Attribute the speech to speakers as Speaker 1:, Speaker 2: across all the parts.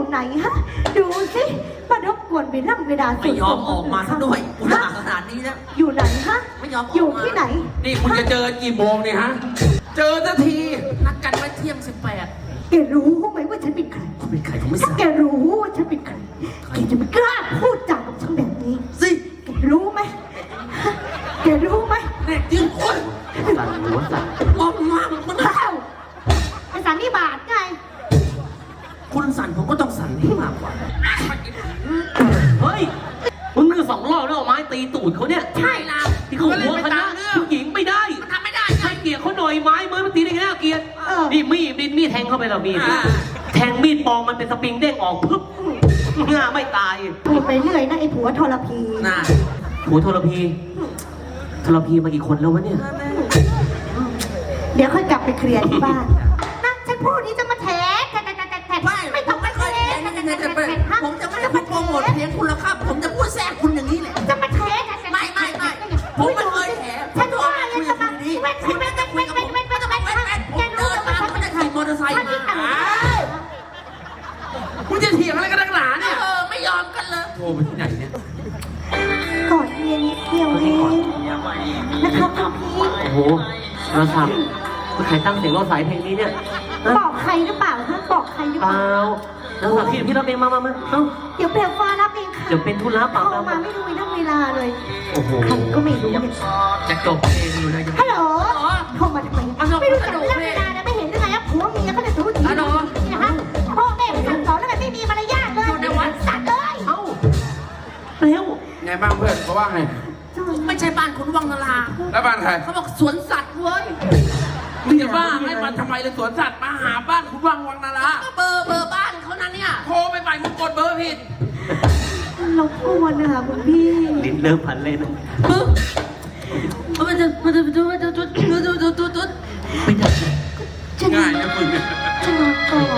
Speaker 1: ไหนฮะดูสิมารบกวนเวลา
Speaker 2: ไม่ยอมออกมาซะด้วยอุตส่าห์ขนาดนี้นะ
Speaker 1: อยู่ไหนฮะ
Speaker 2: ไม่ยอม
Speaker 1: อยู่ที่ไหน
Speaker 3: นี่คุณจะเจอกี่โมงเนี่ยฮะเจอสักที
Speaker 2: นัดกันไว้เที่ยง 18
Speaker 1: แกรู้ไหมว่าฉันเป็นใคร
Speaker 2: เป็นใครผมไม่ทราบ
Speaker 1: แกรู้ว่าฉันเป็นใครแกจะไม่กล้าพูดจากับฉันแบบนี้
Speaker 2: สิ
Speaker 1: แกรู้ไหมแกรู้ไหม
Speaker 2: เด็กยืนคน
Speaker 3: สั่นหัวสั่น
Speaker 2: มองมากมัน
Speaker 1: เอ้าไอ้สันนิบาตไง
Speaker 2: คุณสั่นผมก็ต้องสั่นที่มากกว่า
Speaker 3: เฮ้ยมึงนึก2 รอบแล้วเอาไม้ตีตูดเขาเนี่ย
Speaker 2: ใช่ล่ะ
Speaker 3: ที่เขาหัวคณะผู้หญิงไม่ได้
Speaker 2: ทำไม่ได้
Speaker 3: ให้เกียร์เขาหน่อยไม้มือมันตีได้ไงน่าเกียร์นี่มีดแทงเข้าไปแล้วมีดแทงมีดปองมันเป็นสปริงเด้งออกปึ๊บหน้าไม่ตาย
Speaker 1: พูดไปเรื่อยนะไอ้ผัวทรพี
Speaker 2: น่ะ
Speaker 3: ผัวทรพีมากี่คนแล้ววะเนี่ย
Speaker 1: เดี๋ยวค่อยกลับไปเคลียร์ที่บ้านนะฉันพูดนี้จะมาแถไม่ต้องมาแถ
Speaker 2: ผมจะไม่ได้พูดโปรโมทเพลงคุณหรอกครับผมจะพูดแทรกคุณอย่างนี้แหละ
Speaker 1: จะมาแถ
Speaker 2: ไม่ผมไม่เคยแถ
Speaker 1: ฉันว่าอะไรจะมาไม่
Speaker 2: ผมเดินตามผมจะขี่มอเตอร์ไซค์มา
Speaker 3: คุณจะเถียงอะไรกันนักหนาเนี่ย
Speaker 2: ไม่ยอมกันเลย
Speaker 3: โทรไปที่ไหนเนี่ย
Speaker 1: กอดเมียนิดเดียวเองนะครับพี่
Speaker 3: โอ้โหเราทำใครตั้งเสียงรอสายเพลงนี้เนี่ย
Speaker 1: บอกใครหรือเปล่าฮะบอกใครหรือเปล่า
Speaker 3: แล้วสักพี่รับเองมาเอ้า
Speaker 1: เดี๋ยวเปลี่ยนฟ้ารับเองค่ะ
Speaker 3: เดี๋ยวเป็นธุระเปล่า
Speaker 1: มาไม่รู้เวลาเลย
Speaker 3: โอ้โห
Speaker 1: ใครก็ไม่รู้เนี่ย
Speaker 3: จะจบเพลงอยู่เลย
Speaker 1: ฮัลโหลโทรมาทำไมไม่รู้จักเรื่องเวลานะไม่เห็นยังไงครับผัวเมียเขาจะรู้ดีนะฮะพ่อแม่ไปสั่งสอนแล้วมันไม่มีมารยาทเลยอยู่ในวัดสัตว์เลย
Speaker 3: เอ้าเร็ว
Speaker 4: ไงบ้างเพื่อนเขาว่าไง
Speaker 2: ไม่ใช่บ้านคุณวังนารา
Speaker 4: แล้วบ้านใคร
Speaker 2: เขาบอกสวนสัตว์เว้ย
Speaker 4: มึงจะบ้าให้มันทำไมเลยสวนสัตว์มาหาบ้านคุณวังนารา
Speaker 2: ก็เบอร์บ้านเขานั้นเนี่ย
Speaker 4: โทรไปใหม่มึงกดเบอร์ผิด
Speaker 1: รบกวนนะคะคุณพี่
Speaker 3: ลิ้นเริ่มพันเลยนะ
Speaker 2: มันจะไม่ได้
Speaker 4: ง่ายนะมึง
Speaker 1: จะนอนก่อน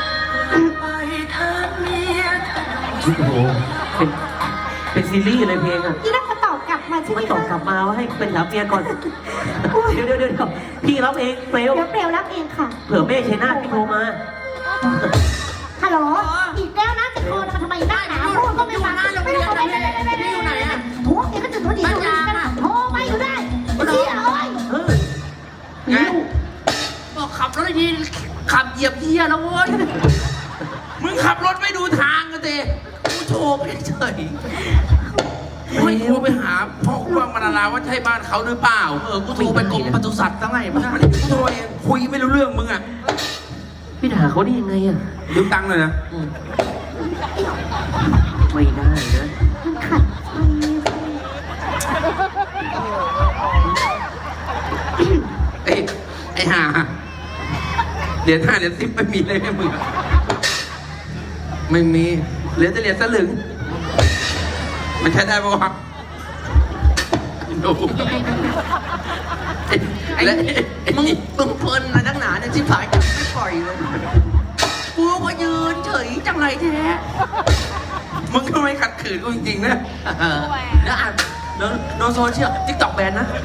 Speaker 3: โอ้โหเป็นซีรีส์อะไรเพลงอ่ะ
Speaker 1: นี่น่าจะตอบกลับมาใช่ไหม
Speaker 3: ตอบกลับมาว่าให้เป็นรับเมียก่อนเดี๋ยวพี่รับเองเปลว
Speaker 1: เดี๋ยวเปลวรับเองค่ะ
Speaker 3: เผื่อแม่ชัยนาทพี่โทรมา
Speaker 1: ฮัลโหลอีกแล้วนะจะโทรมาทำไมได้นะพูดก็ไม่ฟังไม่รู้ไป
Speaker 2: อยู่ไหนอ่ะ
Speaker 1: หัวเองก็จะตัวดีอยู่กันโทรมาอยู่ได้เชี่ย
Speaker 3: ไง
Speaker 2: บอกขับรถดีขับเหยียบเหี้ยแล้วเว้ย
Speaker 4: มึงขับรถไม่ดูทางกันเต้
Speaker 2: กูโชว์เฉย
Speaker 4: ไม่โทรไปหาพ่อคุณวังนาราว่าใช่บ้านเขาหรือเปล่า
Speaker 2: กูโทรไปกรมปศุสัตว์ตั้งไง
Speaker 4: ไม่ได้กูโทรเองคุยไม่รู้เรื่องมึงอ่ะ
Speaker 3: พี่ด่าเขาได้ยังไงอ่ะ
Speaker 4: ยืมตังค์เลยนะ
Speaker 3: ไม่ได้นะ
Speaker 1: ขัด
Speaker 4: ไอ้ห่าเหรียญ5 เหรียญ10ไม่มีเลยแม่มึงไม่มีเหลือแต่เหรียญสลึงมันใช้ได้ปะวะดู
Speaker 2: ไอ้มึงเพลินนะนักหนาเนี่ยที่ผายไม่ปล่อยเลยกูก็ยืนเฉยจังไรแท้
Speaker 4: มึงก็ไม่ขัดขืนกูจริงๆนะ
Speaker 2: แล้วอ่านโดนโซเชียลติ๊กต็อกแบนนะ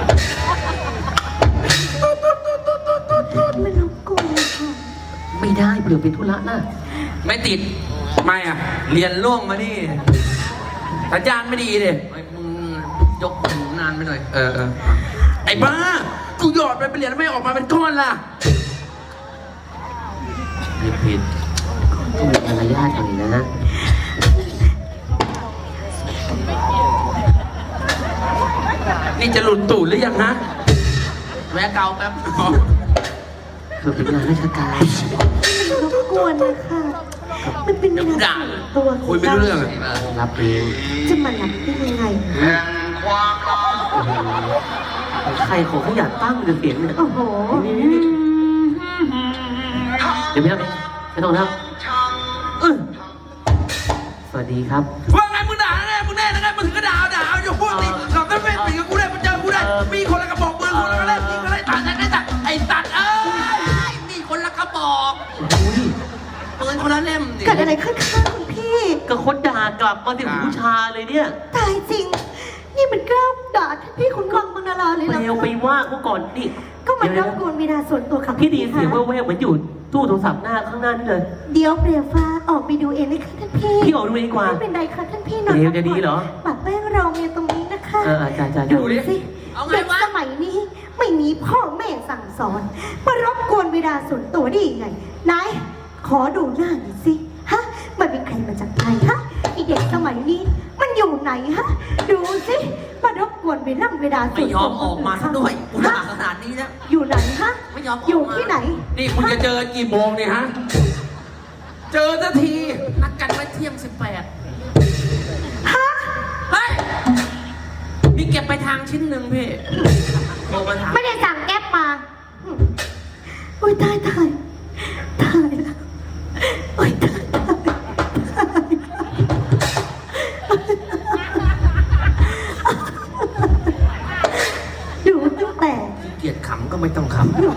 Speaker 1: ไม่รู้กูค่ะ
Speaker 3: ไม่ได้เผื่อเป็นธุระนะ
Speaker 4: ไม่ติดไม่อ่ะเรียนล่วงมาดิสัญญาณไม่ดีเลย
Speaker 2: มึงยกหูนานไปหน่อย
Speaker 4: ไอ้บ้ากูหยอดไปเรียนไม่ออกมาเป็นก้อนล่ะ
Speaker 3: ผิดต้องมีมารยาทหน่อยนะ
Speaker 4: นี่จะหลุดตูดหรือยังฮะ
Speaker 2: แวะเกาแป๊บ
Speaker 3: เผื่อเป็นงานราชการ
Speaker 1: รบกวนนะคะมันเป็นงานตัว
Speaker 4: คุยไม่รู้เรื่อง
Speaker 3: รับเอง
Speaker 1: จะมาหลับได้ยังไง
Speaker 3: ใครของเขาอยากตั้งเสียงเนี่ย
Speaker 1: โอ้โห
Speaker 3: เดี๋ยวไม่ต้องแล้วสวัสดีครับ
Speaker 4: ว่าไงมึงด่าไงมึงแน่ไงมึงถึงก็ด่าอยู่พวกนี้เราต้องเป็นปีกับกูได้มันเจอกูได้มีคนละกระบอกปืนคนละเล่มยิงอะไรตัดไอ้ตัด
Speaker 2: มีคนละกระบอกปืนคนละเล่ม
Speaker 1: เกิดอะไรขึ้นคะคุณพี่
Speaker 3: ก็คนด่ากลับมาถึงผู้ชาเลยเนี่ย
Speaker 1: ตายจริงนี่มันกล้าด่าพี่คุณวังมนาราเลยนะ
Speaker 3: เปลวไปว่าเขาก่อนดิ
Speaker 1: ก็มันรบกวนเวลาส่วนตัวค่ะ
Speaker 3: พี่ดีเสียงแว่วๆเหมือนอยู่ตู้โทรศัพท์หน้าข้างหน้านี่เลย
Speaker 1: เดี๋ยวเปลี่ยวฟ้าออกไปดูเองเลยค่ะท่านพี่
Speaker 3: พี่ออกดูดีกว่า
Speaker 1: ไม่เป็นไรค่ะท่านพี่นอน
Speaker 3: เดี๋ยวจะดีเหรอ
Speaker 1: ปากแป้งรอเมียตรงนี้นะคะ
Speaker 3: จ้า
Speaker 1: ดูสิเด็กสมัยนี้ไม่มีพ่อแม่สั่งสอนมารบกวนเวลาส่วนตัวได้ยังไงไหนขอดูหน้าหน่อยสิฮะมันเป็นใครมาจากไหนฮะไอเด็กสมัยนี้มันอยู่ไหนฮะดูสิมารบกวนเวลาส่วน
Speaker 2: ไม่ย
Speaker 1: ตั
Speaker 2: อ
Speaker 1: ว
Speaker 2: มออกมาซะด้วยกูด่าขนาดนี้แล้ว
Speaker 1: อยู่ไหนฮะ
Speaker 2: ไม่ยอมออกมา
Speaker 1: อยู่ที่ไหน
Speaker 4: นี่มึงจะเจอกี่โมงเนี่ยฮะ เจอสักที
Speaker 2: นัดกันไว้เที่ยง 18
Speaker 1: ฮะ
Speaker 2: เฮ้ยมีเก็บไปทางชิ้นหนึ่งพี่โทรมาถาม
Speaker 1: ไม่ได้สั่งแก๊ปมาโอ้ยตายแล้วโอ้ยตายดูตั้งแต่
Speaker 2: เกลียดขำก็ไม่ต้องข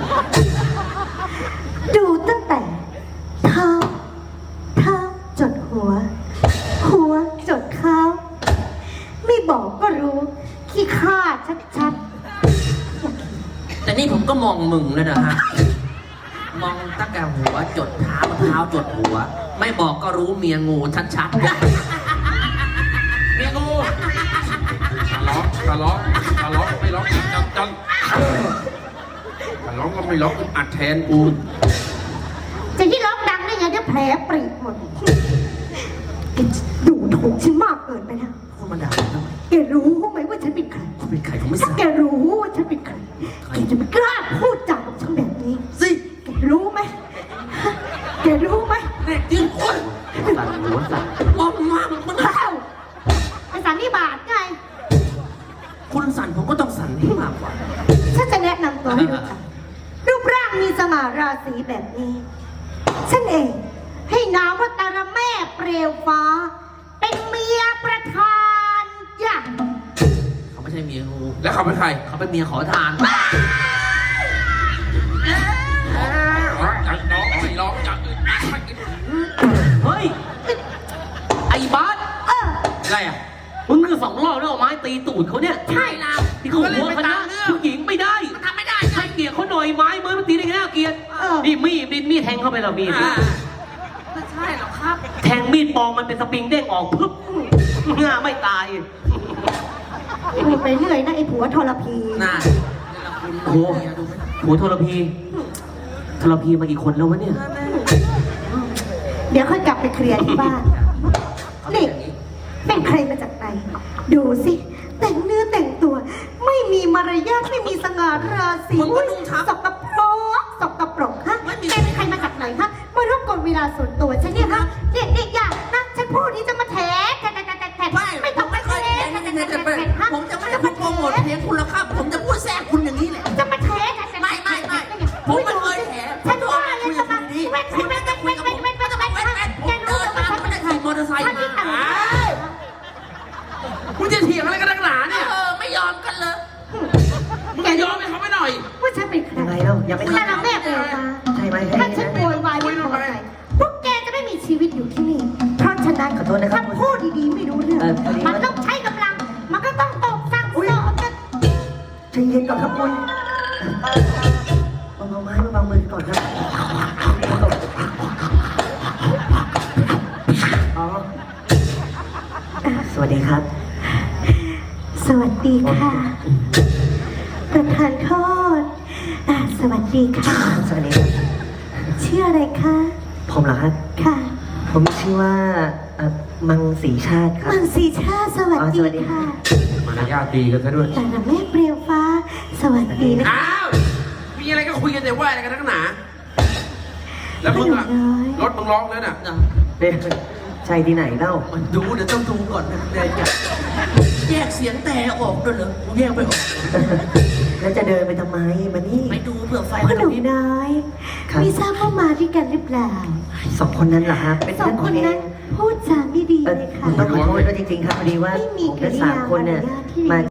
Speaker 1: ดูตั้งแต่เท้าจดหัวจดเท้าไม่บอกก็รู้ขี้ข้าชัด
Speaker 2: ำแต่นี่ผมก็มองมึงแล้วนะฮะ มองตั้งแต่หัวจดเท้าเท้าจดหัว ไม่บอกก็รู้เมียงูชัดๆ
Speaker 4: เมียงูทะเลาะไม่ล็อกจังทะเลาะก็ไม่ล็อกอัดแทนกู
Speaker 1: ๆจะที่ร้องดังได้ไงเดี๋ยวแผลปรีหมดแกดูถูกฉันมากเกินไปนะ
Speaker 2: คุณมาด่าผมทำไม
Speaker 1: แกรู้ไหมว่าฉันเป็นใคร
Speaker 2: คุณเป็นใครผมไม่ท
Speaker 1: ถ้า
Speaker 2: ราบ
Speaker 1: แกรู้ว่าฉันเป็นใครแกจะไม่กล้าพูดจากับฉันแบบนี้
Speaker 2: สิ
Speaker 1: แกรู้ไหมแกรู้ไหม
Speaker 2: เด็กยืนคน
Speaker 3: สั่นหัวสั่น
Speaker 2: มองมากมัน
Speaker 1: เอ้าไอ้สันนิบาตไง
Speaker 2: คุณสั่นผมก็ต้องสั่นให้มากกว่า
Speaker 1: ฉันจะแนะนำตัวให้รู้จักรูปร่างมีสง่าราศีแบบนี้ ฉันเองให้นามว่าตาระแม่เปลวฟ้า เป็นเมียประธานจ้ะ
Speaker 2: เขาไม่ใช่เมียงู
Speaker 4: แล้วเขาเป็นใคร
Speaker 2: เขาเป็นเมียขอทาน
Speaker 4: น้องไม่ล็อกจัง
Speaker 3: เฮ้ย ไอ้บาส
Speaker 4: อะไรอ่ะ
Speaker 3: มึงคือ2 รอบแล้วเอาไม้ตีตูดเขาเนี่ย
Speaker 2: ใช่แล้ว
Speaker 3: ที่เขาหัวคณะผู้หญิงไม่ได้
Speaker 2: มันทำไม่ได้
Speaker 3: ให้เกียรติเขาหน่อยไม้มือมันตีได้ไงน่าเกลียดนี่มีดแทงเข้าไปแล้วมีด
Speaker 2: ไม่ใช่หรอกครับ
Speaker 3: แทงมีดปองมันเป็นสปริงเด้งออกปึ๊บง่าไม่ตาย
Speaker 1: พูดไปเรื่อยนะไอ้ผัวทรพี
Speaker 2: น่า
Speaker 3: โอ้โหโหทรพีมากี่คนแล้ววะเนี่ย
Speaker 1: เดี๋ยวค่อยกลับไปเคลียร์ที่บ้านนี่เป็นใครมาจากไหน ดูสิ แต่งเนื้อแต่งตัว ไม่มีมารยาทไม่มีสง่าราศี
Speaker 2: มึงก็นุ่งทับ
Speaker 1: สกปรกฮะแกเป็นใครมาจากไหนฮะมารบกวนเวลาส่วนตัวฉันเนี่ยฮะเด็กๆอย่านะฉันพูดนี้จะมาแถไม่ต้องมาแถ
Speaker 2: ผมจะไม่ได้พูดโปรโมทเพลงคุณหรอกครับ ผมจะพูดแทรกคุณอย่างนี้แหละ
Speaker 1: จะมาแถ
Speaker 2: ไม่ผมไม่เคยแถ
Speaker 1: ฉันว่าเลยจะมาแก
Speaker 2: ผมเจอทางผมไม่ได้ขี่มอเตอร์ไซค์มา
Speaker 4: มึงจะเถียงอะไรกันนักหนาเนี่ย
Speaker 2: ไม่ยอมกันเลย
Speaker 4: มึงจะยอมให้เขาไปหน่อย
Speaker 1: ว่าฉันเป็นใคร
Speaker 3: ยังไงเล่ายังไม่
Speaker 1: ถ้าเราแม่เปลวฟ้า
Speaker 3: ใช่ไหม
Speaker 1: ถ้าฉันโวยวายไม่พอใจพวกแกจะไม่มีชีวิตอยู่ที่นี่ เพราะฉะนั้น
Speaker 3: ขอโทษนะครับ
Speaker 1: ถ้าพูดดีๆไม่รู้เรื่อง มันต้องใช้กำลัง มันก็ต้องตกสั่งสอนกัน
Speaker 3: ใจเย็นก่อนครับคุณเอาไม้มาบังมือก่อนครับอ๋อสวัสดีครับ
Speaker 1: สวัสดีค่ะ ประธานโทษสวัสดีค่ะ
Speaker 3: สวัสดีครับ
Speaker 1: ชื่ออะไรคะ
Speaker 3: ผมเหรอครับ
Speaker 1: ค่ะ
Speaker 3: ผมชื่อว่ามังสีชาติครับ
Speaker 1: มังสีชาสวัส
Speaker 3: อ๋อสวัสดี
Speaker 1: ดีค่ะ
Speaker 4: มารยาทดีกันซะด้วย
Speaker 1: แต่ละแม่เปลวฟ้า สวัสดีนะคะ
Speaker 4: อ้าว มีอะไรก็คุยกันแต่ว่าอะไรกันนักหนา แล้วมึงอะรถมึงร้องแล้วน่ะ
Speaker 3: ใช่ที่ไหนเล่า
Speaker 2: มันดูเดี๋ยวต้องดูก่อนนะเดี๋ยวแยกเสียงแต่ออกด้วยเหรอแยกไปออก
Speaker 3: แล้วจะเดินไปทำไมมานี่
Speaker 2: ไปดูเผื่อไฟ
Speaker 1: พ่อ
Speaker 2: มัน
Speaker 1: หนุ่ม
Speaker 2: นิด
Speaker 1: น้อย
Speaker 3: ครับ
Speaker 1: ไม่ทราบว่ามาด้วยกันหรือเปล่า
Speaker 3: 2 คนนั้นเหรอครับเป็น
Speaker 1: สอ
Speaker 3: เพื่อง นผมเอ
Speaker 1: คนนั้น
Speaker 3: ง
Speaker 1: พูดจาไม่ดี
Speaker 3: เออ
Speaker 1: เลย
Speaker 3: ผ
Speaker 1: ค่ะ
Speaker 3: มต้องขอโทษด้วยจริงๆครับพอดีว่า
Speaker 1: ไม่มี
Speaker 3: ผม
Speaker 1: กิ
Speaker 3: และ
Speaker 1: ริ
Speaker 3: สาย
Speaker 1: าม
Speaker 3: คนเนี่ย
Speaker 1: มารยาทที่ดี
Speaker 3: มา